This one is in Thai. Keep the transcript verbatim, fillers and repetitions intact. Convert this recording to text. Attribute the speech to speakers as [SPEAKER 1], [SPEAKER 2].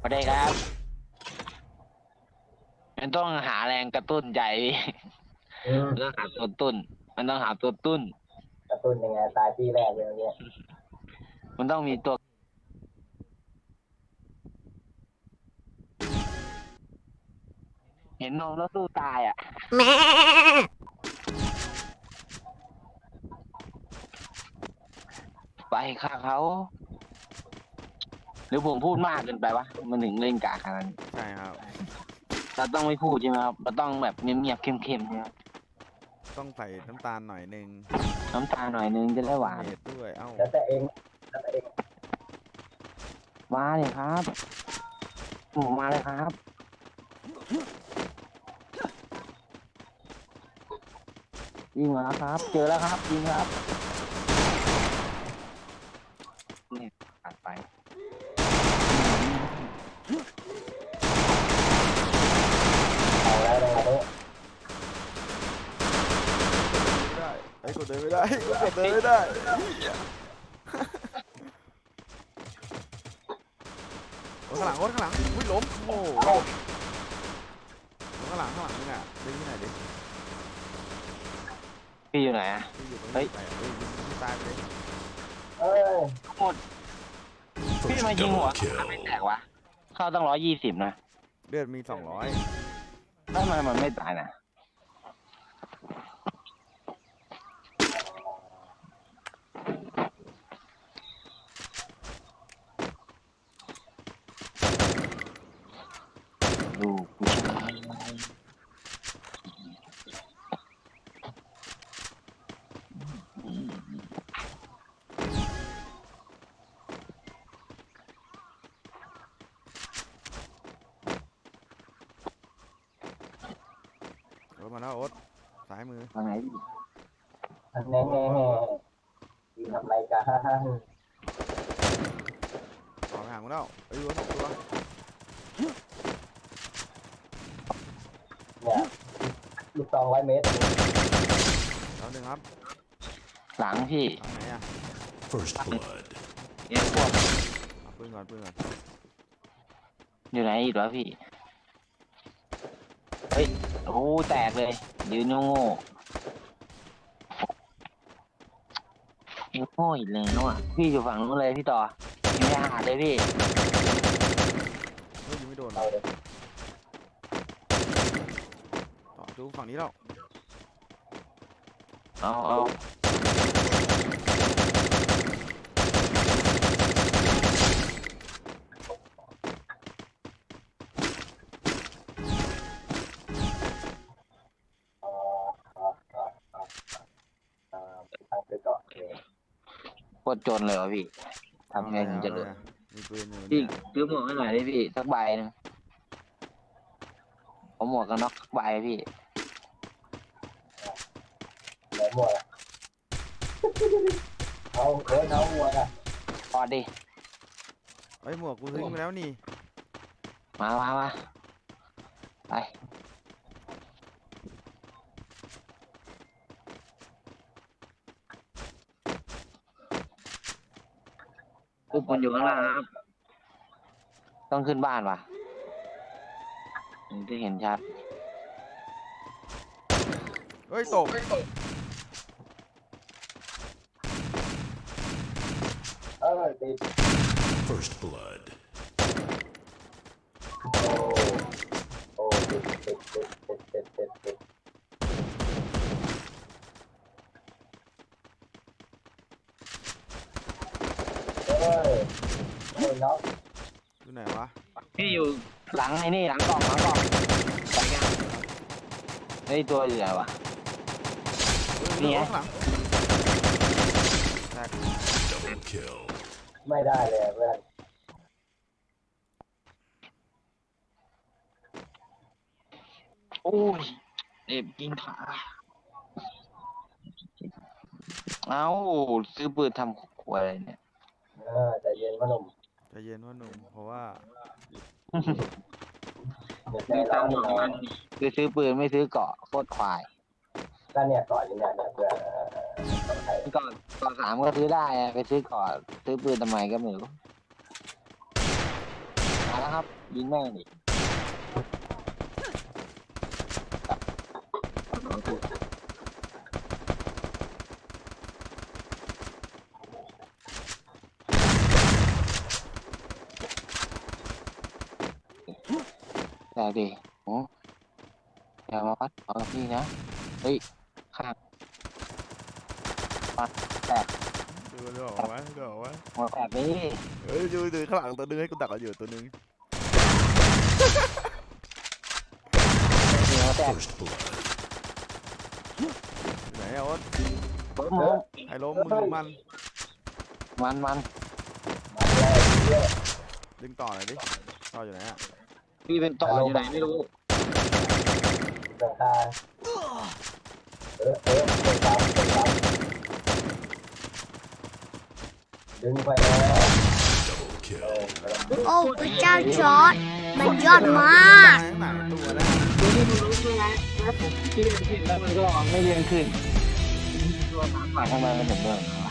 [SPEAKER 1] สวัสดีครับมันต้องหาแรงกระตุ้นใจ
[SPEAKER 2] อืม
[SPEAKER 1] มันต้องหาตัวตุ้นมันต้องหาตัวตุ้น
[SPEAKER 2] กระตุ้นยังไงตายที่แรกเลยเนี่ย
[SPEAKER 1] มันต้องมีตัวเห็นนมแล้วสู้ตายอ่ะไปฆ่าเขาหรือผมพูดมากเกินไปวะมันถึงเล่นกากขนาดนี้
[SPEAKER 3] ใช่ครับ
[SPEAKER 1] เราต้องไม่พูดใช่ไหมครับเราต้องแบบเงียบๆเข้มๆใช่ไหมครับ
[SPEAKER 3] ต้องใส่น้ำตาลหน่อยหนึ่ง
[SPEAKER 1] น้ำตาหน่อยนึงจะได้หวาน
[SPEAKER 3] เผ็ดด้วยเอ้า
[SPEAKER 2] แล้วแต่เองแล้วแต่เอง
[SPEAKER 1] มาเลยครับหมูมาเลยครับยิงมาแล้วครับ เจอแล้วครับยิงครับนี่ผ่านไป
[SPEAKER 2] เอาแล้วนะครับเนี่ย
[SPEAKER 3] ไม่ได้ไอ้ยกดเดินไม่ได้กดเดินไม่ได้โอ้ข้างหลังโอ้ข้างหลังอุ้ยล้มโอ้โหข้างหลังข้างหลังนี่น่ะดึงที่ไหนดิ
[SPEAKER 1] พี่อยู่ไหนอะ
[SPEAKER 3] ที่อยู่ตรง
[SPEAKER 1] เฮ้
[SPEAKER 3] นี้
[SPEAKER 1] ย
[SPEAKER 3] ไปอ่ะเฮ้ยยิงไม่ตายไปเลย
[SPEAKER 2] เอ้ย
[SPEAKER 1] หมดพี่มายิงหัวไม่แตกวะเข้าตั้งร้อยยี่สิบนะ
[SPEAKER 3] เลือดมีสองร้อย
[SPEAKER 1] ทำไมมันไม่ตายนะดูผู้ชาย
[SPEAKER 3] รถมาแล้วโอ๊ตซ้ายมือ
[SPEAKER 1] ทางไหนพี่
[SPEAKER 2] อันแน่แน่ที่ทำรายการ
[SPEAKER 3] ต่อไปหามึงแล้วไอ้ยวัวสองตัว
[SPEAKER 2] เนี่ยลูกซองร้อยเมตร
[SPEAKER 3] แล้วหนึ่งครับ
[SPEAKER 1] หลังพี่
[SPEAKER 3] ทางไหนอ่ะ
[SPEAKER 4] First blood.
[SPEAKER 1] เนี่ยพวก
[SPEAKER 3] เอาปืนก่อนปืนก่อน
[SPEAKER 1] อยู่ไหนอีกแล้วพี่เฮ้ยโอ้แตกเลยยืนโง่โง่อีกแล้วอ่ะพี่อยู่ฝั่งนู้นเลยพี่ต่อยิงไม่หาเลยพี่
[SPEAKER 3] เฮ้ยยิงไม่โดน
[SPEAKER 2] เอาเลย
[SPEAKER 3] ต่อดูฝั่งนี้แล้ว
[SPEAKER 1] เอาเอา
[SPEAKER 2] ทางไปก่อนเลย
[SPEAKER 1] โคตรจนเลยเหรอพี่ทำไงถึงจะรวย
[SPEAKER 3] อาลยมีปืนอยู่
[SPEAKER 1] พี่
[SPEAKER 3] เนี่ย
[SPEAKER 1] ซื้อหมวกให้หน่อยดิพี่สักใบหนึงผมหมวกกันน็อกสักใบพี่
[SPEAKER 2] ไหนหมวกอะเอาเอ้ยเอาหมวกอะ
[SPEAKER 1] พอดิ
[SPEAKER 3] เอ้ยหมวกกูทิ้งไปแล้วนี่
[SPEAKER 1] มามามาไปทุกคนอยู่ข้างล่างครับ ต้องขึ้นบ้านว่ะถึงจะเห็นชัด
[SPEAKER 3] เฮ้ยตก
[SPEAKER 2] เออติด
[SPEAKER 4] First blood.
[SPEAKER 2] โอ้โอ้ติดติดติดติดติดติดติดเอ้ยเอ้ยน็อก
[SPEAKER 3] อยู่ไหนวะ
[SPEAKER 1] พี่อยู่หลังไอ้นี่หลังกล่องหลังกล่องไปกันไอ้ยตัวอยู่ไหนวะ
[SPEAKER 3] เฮ้ย
[SPEAKER 1] นี่ไง
[SPEAKER 3] ข้างหลังแตก
[SPEAKER 4] Double kill.
[SPEAKER 2] ไม่ได้เลยเพื่อน
[SPEAKER 1] โอ้ยเอ็บกินขาเอ้าซื้อปืนทำขวดอะไรเนี่ย
[SPEAKER 2] เออใจเย็นพ่อหนุ่ม
[SPEAKER 3] ใจเย็นว่าหนุ่มเพราะว่า
[SPEAKER 2] เดี๋ยวใจ
[SPEAKER 1] มีตั
[SPEAKER 2] ร้อง
[SPEAKER 1] ค์หมด
[SPEAKER 2] น
[SPEAKER 1] มันคือซื้อปืนไม่ซื้อเกราะโคตรควาย
[SPEAKER 2] ก็เนี่ยก่อนอยู่เนี่ยเนี่ยเพื่อนต้องใช้
[SPEAKER 1] เกราะเกราะสามก็ซื้อได้อะไปซื้อเกราะซื้อปืนทำไมก็ไม่รู้
[SPEAKER 3] ต
[SPEAKER 1] มาแล้วครับยิงแม่งดิแต่ดิโอ้อย่ามาวัดเอากับพี่นะเฮ้ยข้างปัดแตก
[SPEAKER 3] ดูดูออกไหมดูออกไหม
[SPEAKER 1] หัวแตกนี่
[SPEAKER 3] เฮ้ยดูดูข้างหลังตัวนึงให้กูดักเอาอยู่ตัวนึง
[SPEAKER 1] หัวแตก
[SPEAKER 4] First blood.
[SPEAKER 3] ไหนอะโอ๊ต
[SPEAKER 1] ล้มล้ม
[SPEAKER 3] ไอ้ล้มมึงหรือมัน
[SPEAKER 1] มันมัน
[SPEAKER 2] มาแล้วเยอะ
[SPEAKER 3] ดึงต่อหน่อยดิต่ออยู่ไหนอะ
[SPEAKER 1] พี่เป็นต่ออยู่ไหนไม่รู้
[SPEAKER 2] ต่างทางเออเออเปิดตามเปิดตามดึงไปแล้ว
[SPEAKER 4] Double
[SPEAKER 2] เอ
[SPEAKER 4] kill.
[SPEAKER 2] อ
[SPEAKER 5] โอ้พระเจ้าจอร์ดมันยอดมาก
[SPEAKER 3] ข้างหลังตัวนะ
[SPEAKER 1] พี่ไม่รู้ใช่ไหมพี่เรียนผิดแล้วมันก็ไม่เรียนขึ้นตัวหมาป่าทำไมมันถึงเดิน